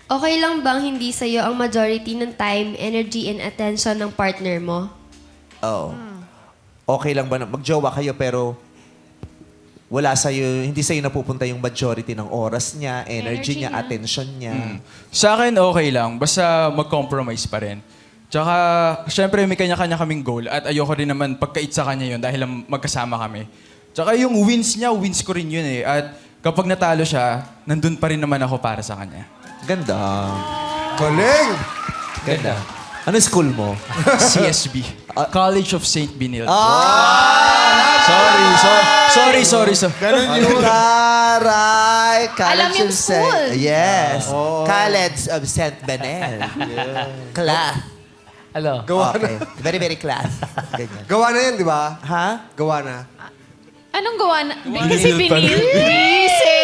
Okay lang bang hindi sa'yo ang majority ng time, energy, and attention ng partner mo? Oo. Okay lang ba na magjowa kayo pero wala sa'yo, hindi sa'yo napupunta yung majority ng oras niya, energy niya, attention niya. Sa akin, okay lang. Basta mag-compromise pa rin. Tsaka, syempre, may kanya-kanya kaming goal at ayoko rin naman pagkait sa kanya yun dahil lang magkasama kami. Tsaka yung wins niya, wins ko rin yun eh. At kapag natalo siya, nandun pa rin naman ako para sa kanya. Ganda. Galing! Ganda. Ano school mo? CSB. College of St. Benilde. Sorry. Ganun yun. Taray! Alam yung school. Yes. College of St. Benel. Class. Ano? Gawa Okay. na. Very, very class. Ganyan. Gawa na yan, di ba? Ha? Gawa na. Anong gawa na? Kasi Binil pa rin. binil. Busy!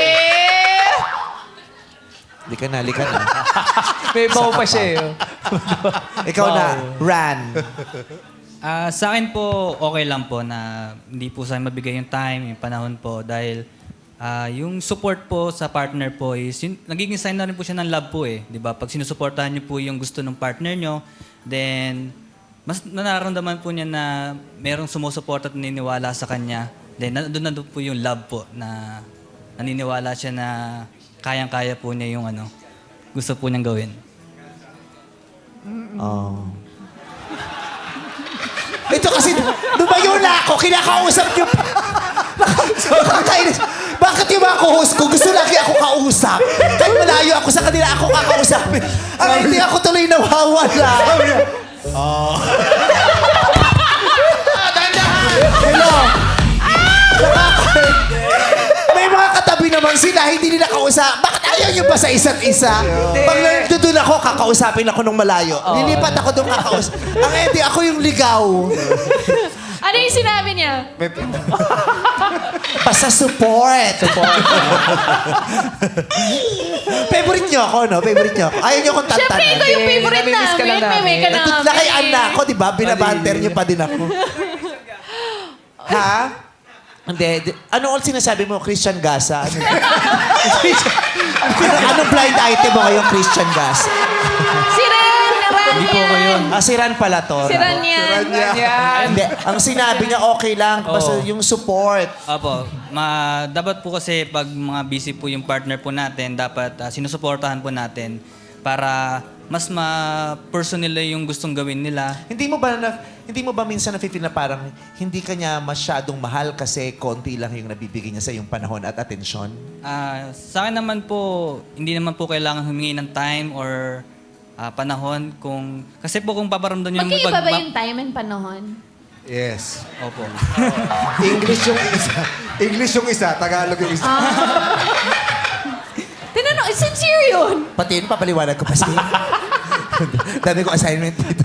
Lika na. May baw pa siya eh. Ikaw na, Ran. Sa akin po, okay lang po na hindi po sa akin mabigay yung time, yung panahon po dahil yung support po sa partner po is, nagiging sign na rin po siya ng love po eh. Di ba? Pag sinusuportahan niyo po yung gusto ng partner niyo, then mas nararamdaman po niya na merong sumusuporta at naniniwala sa kanya. Then doon na po yung love po na naniniwala siya na kayang-kaya po niya yung gusto po niyang gawin. Oh. Ito kasi, lumayo na ako, kinakausap niyo pa. Nakakainis. Bakit yung mga co-host ko, gusto lagi ako kausap? Kahit malayo ako sa kanila, ako kakausapin. Hindi ako tuloy nawawala. Hello? May mga katabi naman sila, hindi nila kausap. Bakit ayaw niyo ba sa isa't isa? Pag nandun ako, kakausapin ako nung malayo. Lilipat ako doon kakausap. Ang hindi, ako yung ligaw. Ano yung sinabi niya? Basta support. Favorite niyo ako, no? Favorite niyo ako. Ayaw niyo akong tantanan. Siyempre, ikaw yung favorite namimiss ka lang namin. May ka namin. Natutlakian na ako, di ba? Binabanter niyo pa din ako. Ha? Hindi. Ano all sinasabi mo, Christian Gasa? Anong blind item mo ngayong Christian Gasa? Si Ren! Hindi po ako yun. Si Ran pala to. Si Ran yan. Hindi. Ang sinabi niya, okay lang. Basta yung support. Opo. Dapat po kasi pag mga busy po yung partner po natin, dapat sinusuportahan po natin para mas ma-personal yung gustong gawin nila. Hindi mo ba minsan nafe-feel na parang hindi ka niya masyadong mahal kasi konti lang yung nabibigay niya sa iyong panahon at atensyon? Sa akin naman po, hindi naman po kailangan humingi ng time or panahon kasi po kung paparamdam niyo Magkaiba ba yung time and panahon? Yes. Opo. English yung isa, Tagalog yung isa. Tinanong, sincere yun? Pati yun, papaliwanag ko pa siya. Dami ko assignment dito.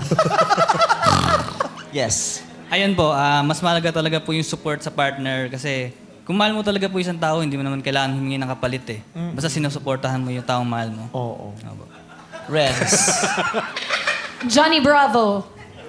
Yes. Ayun po, mas mahalaga talaga po yung support sa partner kasi kung mahal mo talaga po isang tao, hindi mo naman kailangan humingi ng kapalit eh. Basta sinusuportahan mo yung taong mahal mo. Oo. Opo. Renz. Johnny Bravo.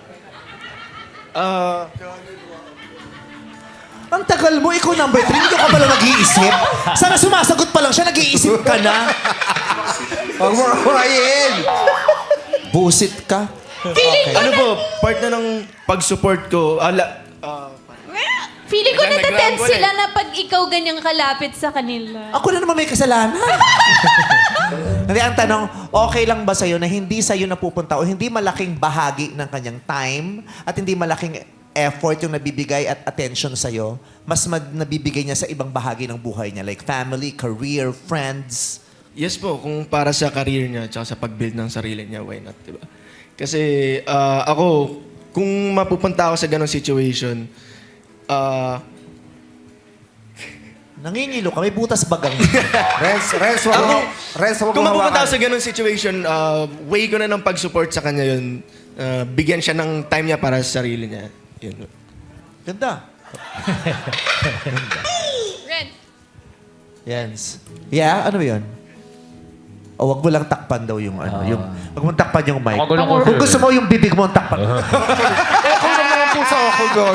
Ang tagal mo, ikaw number 3, hindi ka pala nag-iisip. Sana sumasagot pa lang siya, nag-iisip ka na. Huwag mo kawain! Busit ka. Ano po, part na ng pag-support ko, Feeling ko Diyan, natatense nag-rumble sila na pag ikaw ganyang kalapit sa kanila. Ako na naman may kasalanan. Hindi, ang tanong, okay lang ba sa'yo na hindi sa'yo napupunta o hindi malaking bahagi ng kanyang time at hindi malaking effort yung nabibigay at attention sa'yo, mas nabibigay niya sa ibang bahagi ng buhay niya, like family, career, friends? yes po, kung para sa career niya at sa pag-build ng sarili niya, why not, diba? Kasi ako, kung mapupunta ako sa ganong situation, Nangingilo ka, may butas bagang. Renz, huwag kung mo mapupunta ako hawakan. sa ganong situation, way ko na ng pag-support sa kanya yun. Bigyan siya ng time niya para sa sarili niya. Yun. Ganda. Ren. Yes. Yeah, ano yun? O, wag mo lang takpan daw yung ano. Yung, wag mo takpan yung mic. Magulo ko. Kung gusto mo yung bibig mo, takpan. Ako naman ang pusa ako doon.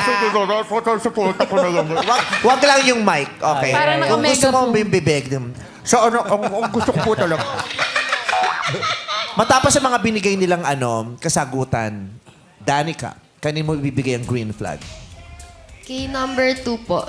Wag lang yung mic. Okay. Parang Kung gusto mo naka-megaphone. yung bibig. Sa ano, ang gusto ko po talaga. Matapos sa mga binigay nilang kasagutan, Danica, kanin mo ibibigay ang green flag? Kay number 2 po.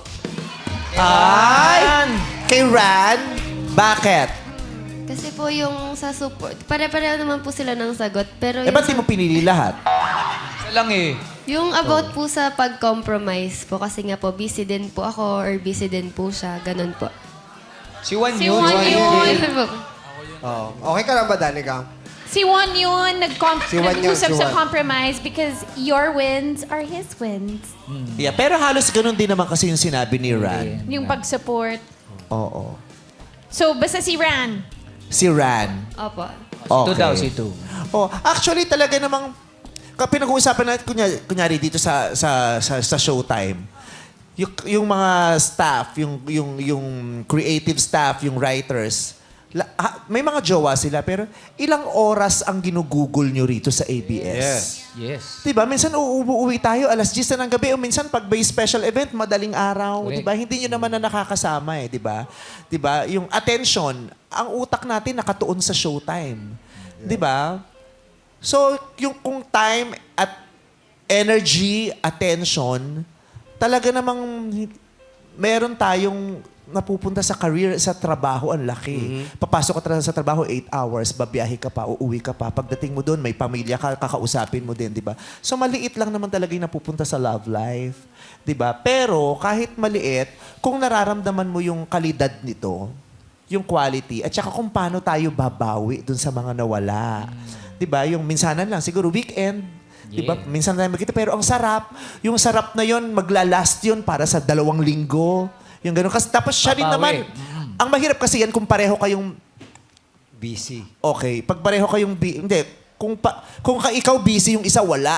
Ay! Kay Ran, bakit? Kasi po yung sa support, pare-pareho naman po sila ng sagot. Pero Eh, ba't di mo pinili lahat? Isa lang eh. yung about po sa pag-compromise po, kasi nga po, busy din po ako or busy din po siya. Ganun po. Si Juan Si yun. Juan yun. Ganun po. Oh. Okay ka lang ba, Danica? Si Juan yun, Si Juan yun, nag-usap si sa Juan. compromise because your wins are his wins. Yeah, pero halos ganun din naman kasi yung sinabi ni Ran. Yung pag-support. Oo. So, basta si Ran. Si Ran. Opo. Ito daw, si Ito. Oh, actually talaga namang pinag-uusapan natin kunyari dito sa Showtime. Yung mga staff, yung creative staff, yung writers, may mga jowa sila pero ilang oras ang ginugugol nyo rito sa ABS? Yes. Diba? Minsan uuwi tayo alas 10 na ng gabi o minsan pag may special event, madaling araw. Correct. Diba? Hindi nyo naman na nakakasama eh. Diba? Diba? Yung attention, ang utak natin nakatuon sa Showtime. Diba? So, yung kung time at energy, attention, talaga namang meron tayong napupunta sa career, sa trabaho, ang laki. Papasok ka sa trabaho, 8 hours, babiyahe ka pa, uuwi ka pa. Pagdating mo doon, may pamilya ka, kakausapin mo din, di ba? So, maliit lang naman talaga yung napupunta sa love life. Di ba? Pero, kahit maliit, kung nararamdaman mo yung kalidad nito, yung quality, at saka kung paano tayo babawi dun sa mga nawala. Di ba? Yung minsanan lang, siguro weekend, di ba? Yeah. Minsan tayo magkita, pero ang sarap, yung sarap na yon maglalast yun para sa 2 linggo. Yung gano'n. Kasi tapos siya rin naman, ang mahirap kasi yan kung pareho kayong Busy. okay. Pag pareho kayong hindi, kung ikaw busy, yung isa wala.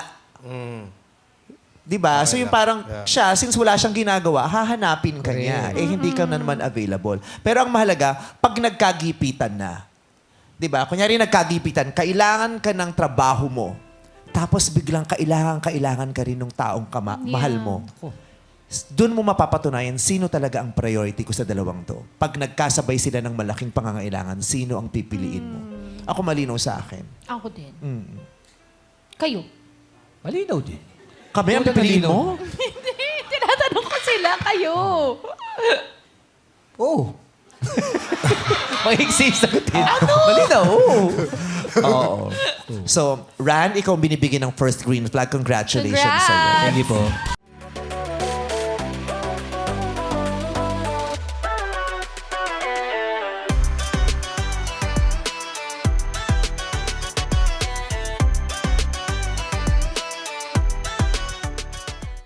Di ba? So yung parang siya, since wala siyang ginagawa, hahanapin ka niya. Eh, hindi ka na naman available. Pero ang mahalaga, pag nagkagipitan na, di ba? Kunyari nagkagipitan, kailangan ka ng trabaho mo. Tapos biglang kailangan ka rin ng taong mahal mo. Doon mo mapapatunayan sino talaga ang priority ko sa dalawang to. Pag nagkasabay sila ng malaking pangangailangan, sino ang pipiliin mo? Ako malinaw sa akin. Ako din. Mm. Kayo. Malinaw din. Kami ang pipiliin mo? Hindi, tinatanong ko sila. Kayo. Oh. Mahigsi sagutin. Malinaw, Oo. So, Ran, ikaw ang binibigyan ng first green flag. Congratulations Congrats! sa'yo. Thank you po.